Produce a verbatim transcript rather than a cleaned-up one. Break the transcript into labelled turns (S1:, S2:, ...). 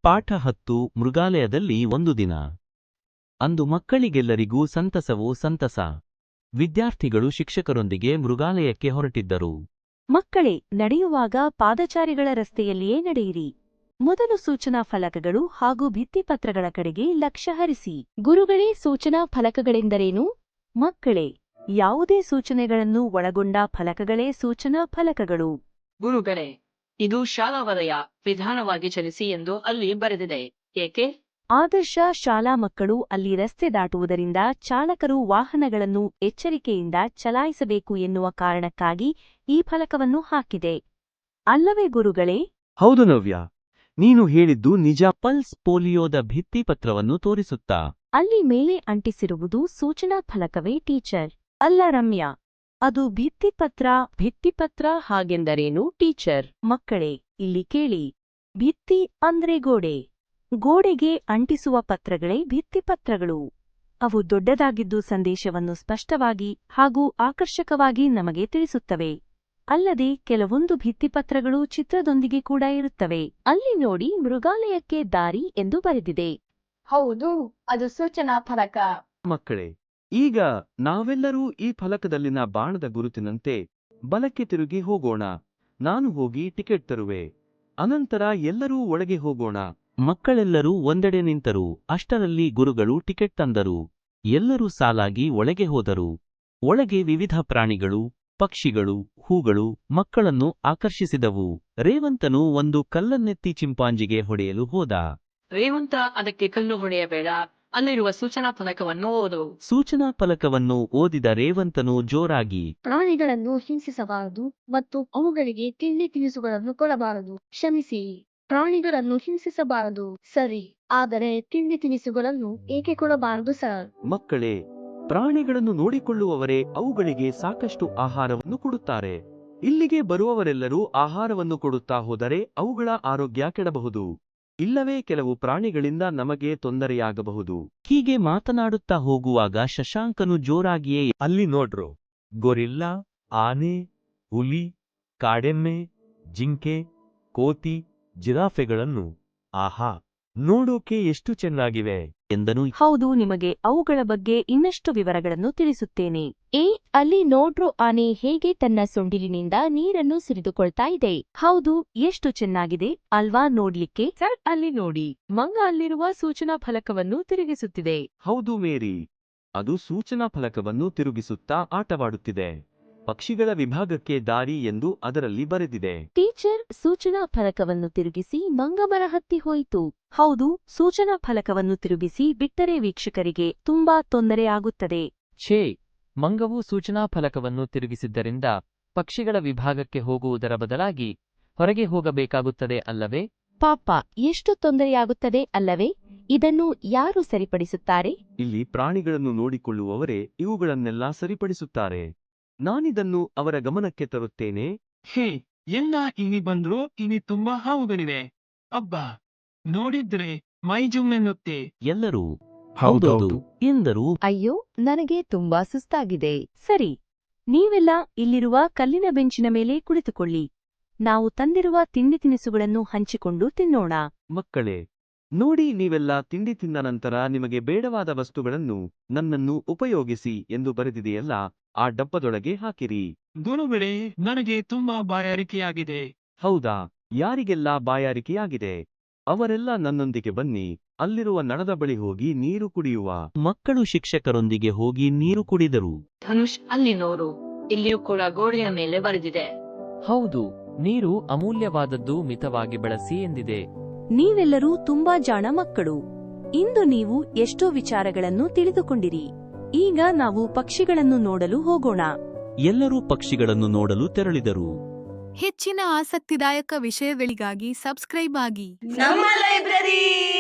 S1: ಪಾಠ ಹತ್ತು ಮೃಗಾಲಯದಲ್ಲಿ ಒಂದು ದಿನ. ಅಂದು ಮಕ್ಕಳಿಗೆಲ್ಲರಿಗೂ ಸಂತಸವೋ ಸಂತಸ. ವಿದ್ಯಾರ್ಥಿಗಳು ಶಿಕ್ಷಕರೊಂದಿಗೆ ಮೃಗಾಲಯಕ್ಕೆ ಹೊರಟಿದ್ದರು.
S2: ಮಕ್ಕಳೇ, ನಡೆಯುವಾಗ ಪಾದಚಾರಿಗಳ ರಸ್ತೆಯಲ್ಲಿಯೇ ನಡೆಯಿರಿ. ಮೊದಲು ಸೂಚನಾ ಫಲಕಗಳು ಹಾಗೂ ಭಿತ್ತಿಪತ್ರಗಳ ಕಡೆಗೆ ಲಕ್ಷ್ಯ ಹರಿಸಿ. ಗುರುಗಳೇ, ಸೂಚನಾ ಫಲಕಗಳೆಂದರೇನು? ಮಕ್ಕಳೇ, ಯಾವುದೇ ಸೂಚನೆಗಳನ್ನು ಒಳಗೊಂಡ ಫಲಕಗಳೇ ಸೂಚನಾ ಫಲಕಗಳು.
S3: ಗುರುಗಳೇ, ಇದು ಶಾಲಾ ವಲಯ ವಿಧಾನವಾಗಿ ಚಲಿಸಿ ಎಂದು ಅಲ್ಲಿ ಬರೆದಿದೆ. ಏಕೆ?
S2: ಆದರ್ಶ ಶಾಲಾ ಮಕ್ಕಳು ಅಲ್ಲಿ ರಸ್ತೆ ದಾಟುವುದರಿಂದ ಚಾಲಕರು ವಾಹನಗಳನ್ನು ಎಚ್ಚರಿಕೆಯಿಂದ ಚಲಾಯಿಸಬೇಕು ಎನ್ನುವ ಕಾರಣಕ್ಕಾಗಿ ಈ ಫಲಕವನ್ನು ಹಾಕಿದೆ. ಅಲ್ಲವೇ ಗುರುಗಳೇ?
S1: ಹೌದು ನವ್ಯ, ನೀನು ಹೇಳಿದ್ದು ನಿಜ. ಪಲ್ಸ್ ಪೋಲಿಯೋದ ಭಿತ್ತಿಪತ್ರವನ್ನು ತೋರಿಸುತ್ತಾ.
S2: ಅಲ್ಲಿ ಮೇಲೆ ಅಂಟಿಸಿರುವುದು ಸೂಚನಾ ಫಲಕವೇ ಟೀಚರ್? ಅಲ್ಲ ರಮ್ಯಾ, ಅದು ಭಿತ್ತಿಪತ್ರ. ಭಿತ್ತಿಪತ್ರ ಹಾಗೆಂದರೇನು ಟೀಚರ್? ಮಕ್ಕಳೇ, ಇಲ್ಲಿ ಕೇಳಿ. ಭಿತ್ತಿ ಅಂದ್ರೆ ಗೋಡೆ. ಗೋಡೆಗೆ ಅಂಟಿಸುವ ಪತ್ರಗಳೇ ಭಿತ್ತಿಪತ್ರಗಳು. ಅವು ದೊಡ್ಡದಾಗಿದ್ದು ಸಂದೇಶವನ್ನು ಸ್ಪಷ್ಟವಾಗಿ ಹಾಗೂ ಆಕರ್ಷಕವಾಗಿ ನಮಗೆ ತಿಳಿಸುತ್ತವೆ. ಅಲ್ಲದೆ ಕೆಲವೊಂದು ಭಿತ್ತಿಪತ್ರಗಳು ಚಿತ್ರದೊಂದಿಗೆ ಕೂಡ ಇರುತ್ತವೆ. ಅಲ್ಲಿ ನೋಡಿ, ಮೃಗಾಲಯಕ್ಕೆ ದಾರಿ ಎಂದು ಬರೆದಿದೆ.
S4: ಹೌದು, ಅದು ಸೂಚನಾ ಫಲಕ.
S1: ಮಕ್ಕಳೇ, ಈಗ ನಾವೆಲ್ಲರೂ ಈ ಫಲಕದಲ್ಲಿನ ಬಾಣದ ಗುರುತಿನಂತೆ ಬಲಕ್ಕೆ ತಿರುಗಿ ಹೋಗೋಣ. ನಾನು ಹೋಗಿ ಟಿಕೆಟ್ ತರುವೆ. ಅನಂತರ ಎಲ್ಲರೂ ಒಳಗೆ ಹೋಗೋಣ. ಮಕ್ಕಳೆಲ್ಲರೂ ಒಂದೆಡೆ ನಿಂತರು. ಅಷ್ಟರಲ್ಲಿ ಗುರುಗಳು ಟಿಕೆಟ್ ತಂದರು. ಎಲ್ಲರೂ ಸಾಲಾಗಿ ಒಳಗೆ ಹೋದರು. ಒಳಗೆ ವಿವಿಧ ಪ್ರಾಣಿಗಳು, ಪಕ್ಷಿಗಳು, ಹೂಗಳು ಮಕ್ಕಳನ್ನು ಆಕರ್ಷಿಸಿದವು. ರೇವಂತನು ಒಂದು ಕಲ್ಲನ್ನೆತ್ತಿ ಚಿಂಪಾಂಜಿಗೆ ಹೊಡೆಯಲು ಹೋದ.
S3: ರೇವಂತ, ಅದಕ್ಕೆ ಕಲ್ಲು ಹೊಡೆಯಬೇಡ, ಅಲ್ಲಿರುವ ಸೂಚನಾ ಫಲಕವನ್ನು ಓದು.
S1: ಸೂಚನಾ ಫಲಕವನ್ನು ಓದಿದ ರೇವಂತನು ಜೋರಾಗಿ,
S4: ಪ್ರಾಣಿಗಳನ್ನು ಹಿಂಸಿಸಬಾರದು ಮತ್ತು ಅವುಗಳಿಗೆ ತಿಂಡಿ ತಿನಿಸುಗಳನ್ನು ಕೊಡಬಾರದು. ಕ್ಷಮಿಸಿ, ಪ್ರಾಣಿಗಳನ್ನು ಹಿಂಸಿಸಬಾರದು ಸರಿ, ಆದರೆ ತಿಂಡಿ ತಿನಿಸುಗಳನ್ನು ಏಕೆ ಕೊಡಬಾರದು ಸರ್?
S1: ಮಕ್ಕಳೇ, ಪ್ರಾಣಿಗಳನ್ನು ನೋಡಿಕೊಳ್ಳುವವರೇ ಅವುಗಳಿಗೆ ಸಾಕಷ್ಟು ಆಹಾರವನ್ನು ಕೊಡುತ್ತಾರೆ. ಇಲ್ಲಿಗೆ ಬರುವವರೆಲ್ಲರೂ ಆಹಾರವನ್ನು ಕೊಡುತ್ತಾ ಹೋದರೆ ಅವುಗಳ ಆರೋಗ್ಯ ಕೆಡಬಹುದು. ಇಲ್ಲವೇ ಕೆಲವು ಪ್ರಾಣಿಗಳಿಂದ ನಮಗೆ ತೊಂದರೆಯಾಗಬಹುದು. ಹೀಗೆ ಮಾತನಾಡುತ್ತಾ ಹೋಗುವಾಗ ಶಶಾಂಕನು ಜೋರಾಗಿಯೇ, ಅಲ್ಲಿ ನೋಡ್ರು, ಗೊರಿಲ್ಲಾ, ಆನೆ, ಹುಲಿ, ಕಾಡೆಮ್ಮೆ, ಜಿಂಕೆ, ಕೋತಿ, ಜಿರಾಫೆಗಳನ್ನು. ಆಹಾ, ನೋಡೋಕೆ ಎಷ್ಟು ಚೆನ್ನಾಗಿವೆ ಎಂದನು.
S2: ಹೌದು, ನಿಮಗೆ ಅವುಗಳ ಬಗ್ಗೆ ಇನ್ನಷ್ಟು ವಿವರಗಳನ್ನು ತಿಳಿಸುತ್ತೇನೆ. ಏ, ಅಲ್ಲಿ ನೋಡ್ರು, ಆನೆ ಹೇಗೆ ತನ್ನ ಸೊಂಡಿಲಿನಿಂದ ನೀರನ್ನು ಸುರಿದುಕೊಳ್ತಾ ಇದೆ. ಹೌದು, ಎಷ್ಟು ಚೆನ್ನಾಗಿದೆ ಅಲ್ವಾ ನೋಡ್ಲಿಕ್ಕೆ? ಸರ್, ಅಲ್ಲಿ ನೋಡಿ, ಮಂಗ ಅಲ್ಲಿರುವ ಸೂಚನಾ ಫಲಕವನ್ನು ತಿರುಗಿಸುತ್ತಿದೆ.
S1: ಹೌದು ಮೇರಿ, ಅದು ಸೂಚನಾ ಫಲಕವನ್ನು ತಿರುಗಿಸುತ್ತಾ ಆಟವಾಡುತ್ತಿದೆ. ಪಕ್ಷಿಗಳ ವಿಭಾಗಕ್ಕೆ ದಾರಿ ಎಂದು ಅದರಲ್ಲಿ ಬರೆದಿದೆ.
S2: ಟೀಚರ್, ಸೂಚನಾ ಫಲಕವನ್ನು ತಿರುಗಿಸಿ ಮಂಗ ಮರ ಹತ್ತಿ ಹೋಯಿತು. ಹೌದು, ಸೂಚನಾ ಫಲಕವನ್ನು ತಿರುಗಿಸಿ ಬಿಟ್ಟರೆ ವೀಕ್ಷಕರಿಗೆ ತುಂಬಾ ತೊಂದರೆ ಆಗುತ್ತದೆ.
S5: ಛೇ, ಮಂಗವು ಸೂಚನಾ ಫಲಕವನ್ನು ತಿರುಗಿಸಿದ್ದರಿಂದ ಪಕ್ಷಿಗಳ ವಿಭಾಗಕ್ಕೆ ಹೋಗುವುದರ ಬದಲಾಗಿ ಹೊರಗೆ ಹೋಗಬೇಕಾಗುತ್ತದೆ ಅಲ್ಲವೇ?
S2: ಪಾಪ, ಎಷ್ಟು ತೊಂದರೆಯಾಗುತ್ತದೆ ಅಲ್ಲವೇ? ಇದನ್ನು ಯಾರು ಸರಿಪಡಿಸುತ್ತಾರೆ?
S1: ಇಲ್ಲಿ ಪ್ರಾಣಿಗಳನ್ನು ನೋಡಿಕೊಳ್ಳುವವರೇ ಇವುಗಳನ್ನೆಲ್ಲ ಸರಿಪಡಿಸುತ್ತಾರೆ. ನಾನಿದನ್ನು ಅವರ ಗಮನಕ್ಕೆ ತರುತ್ತೇನೆ.
S6: ಹೇ, ಎಲ್ಲ ಇಲ್ಲಿ ಬಂದ್ರು. ಇಲ್ಲಿ ತುಂಬಾ ಹಾವುಗಳಿವೆ. ಅಬ್ಬಾ, ನೋಡಿದ್ರೆ ಮೈ ಜುಮ್ಮೆನ್ನುತ್ತೆ.
S1: ಎಲ್ಲರೂ
S6: ಹೌದೌದು
S1: ಎಂದರು.
S2: ಅಯ್ಯೋ, ನನಗೆ ತುಂಬಾ ಸುಸ್ತಾಗಿದೆ. ಸರಿ, ನೀವೆಲ್ಲ ಇಲ್ಲಿರುವ ಕಲ್ಲಿನ ಬೆಂಚಿನ ಮೇಲೆ ಕುಳಿತುಕೊಳ್ಳಿ. ನಾವು ತಂದಿರುವ ತಿಂಡಿ ತಿನಿಸುಗಳನ್ನು ಹಂಚಿಕೊಂಡು ತಿನ್ನೋಣ.
S1: ಮಕ್ಕಳೇ, ನೋಡಿ, ನೀವೆಲ್ಲ ತಿಂಡಿ ತಿಂದ ನಂತರ ನಿಮಗೆ ಬೇಡವಾದ ವಸ್ತುಗಳನ್ನು ನನ್ನನ್ನು ಉಪಯೋಗಿಸಿ ಎಂದು ಬರೆದಿದೆಯಲ್ಲ, ಆ ಡಬ್ಬದೊಳಗೆ ಹಾಕಿರಿ.
S6: ಗುರುಗಳೇ, ನನಗೆ ತುಂಬಾ ಬಾಯಾರಿಕೆಯಾಗಿದೆ.
S1: ಹೌದಾ? ಯಾರಿಗೆಲ್ಲ ಬಾಯಾರಿಕೆಯಾಗಿದೆ ಅವರೆಲ್ಲ ನನ್ನೊಂದಿಗೆ ಬನ್ನಿ. ಅಲ್ಲಿರುವ ನಳದ ಬಳಿ ಹೋಗಿ ನೀರು ಕುಡಿಯುವ. ಮಕ್ಕಳು ಶಿಕ್ಷಕರೊಂದಿಗೆ ಹೋಗಿ ನೀರು ಕುಡಿದರು.
S3: ಧನುಷ್, ಅಲ್ಲಿ ನೋಡು, ಇಲ್ಲಿಯೂ ಕೂಡ ಗೋಡೆಯ ಮೇಲೆ ಬರೆದಿದೆ.
S5: ಹೌದು, ನೀರು ಅಮೂಲ್ಯವಾದದ್ದು, ಮಿತವಾಗಿ ಬಳಸಿ ಎಂದಿದೆ.
S2: ನೀವೆಲ್ಲರೂ ತುಂಬಾ ಜಾಣ ಮಕ್ಕಳು. ಇಂದು ನೀವು ಎಷ್ಟೋ ವಿಚಾರಗಳನ್ನು ತಿಳಿದುಕೊಂಡಿರಿ. ಈಗ ನಾವು ಪಕ್ಷಿಗಳನ್ನು ನೋಡಲು ಹೋಗೋಣ.
S1: ಎಲ್ಲರೂ ಪಕ್ಷಿಗಳನ್ನು ನೋಡಲು ತೆರಳಿದರು.
S7: ಹೆಚ್ಚಿನ ಆಸಕ್ತಿದಾಯಕ ವಿಷಯಗಳಿಗಾಗಿ ಸಬ್ಸ್ಕ್ರೈಬ್ ಆಗಿ
S8: ನಮ್ಮ ಲೈಬ್ರರಿ.